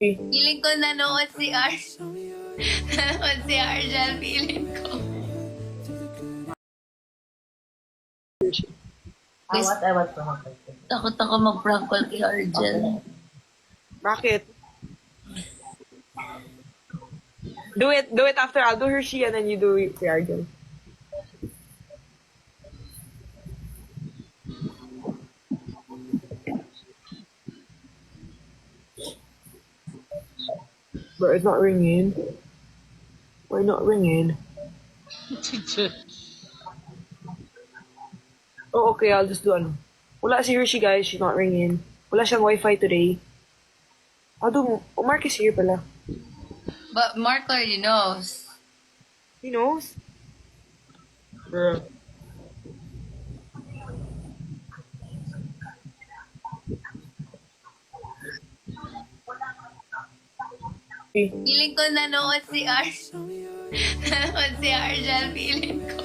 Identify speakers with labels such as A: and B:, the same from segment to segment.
A: Feeling ko nanood si nanood si Arjel, feeling ko.
B: I want to happen.
A: Takot ako mag-prank call kay Arjel.
C: Bakit? Do it after. I'll do Hershey and then you do the Argel. Bro, it's not ringing. Why not ringing? Oh, okay. I'll just do ano. Wala si Hershey, guys. She's not ringing. Wala siyang wifi today. I'll do... Oh, Mark is here pala.
A: But Mark already knows.
C: He knows? Bro.
A: Feeling ko nanood si nanood si Arjel, feeling ko.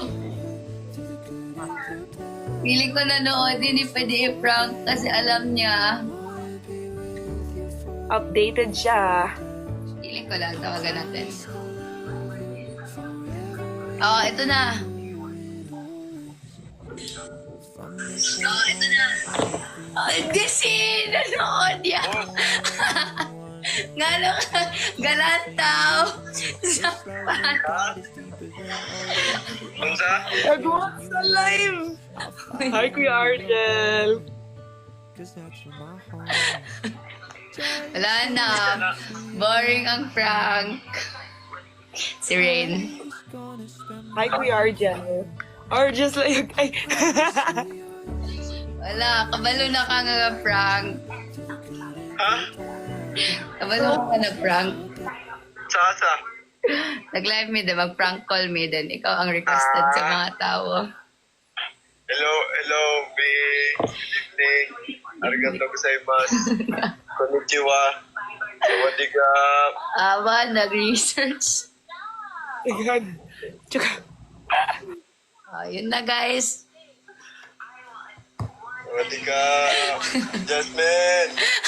A: Feeling ko nanood, hindi pwede i-prank kasi alam niya.
C: Updated siya.
A: Feeling ko lang, tawagan natin. Oh, ito na. Oh, ito na. Oh, kasi nanood yan. Ngano ka, galantaw. Sapan.
D: Unsa?
C: Nag-watch sa live! Hi, Kuya Argel!
A: Wala na. Boring ang prank. Si Rain.
C: Hi, Kuya Argel. Argel's like... Ay.
A: Wala, kabalo na ka nga prank.
D: Ha?
A: Kabalo ka na prank.
D: Sa?
A: Nag-live me din, mag-prank call me din. Ikaw ang requested sa mga tao.
D: Hello, Big. Good evening. Arigato gozaimasu. Konnichiwa. Sawadika.
A: Aba, nag-research.
C: Ayan. Tsaka...
A: Yun na guys.
D: Sawadika. Jasmine.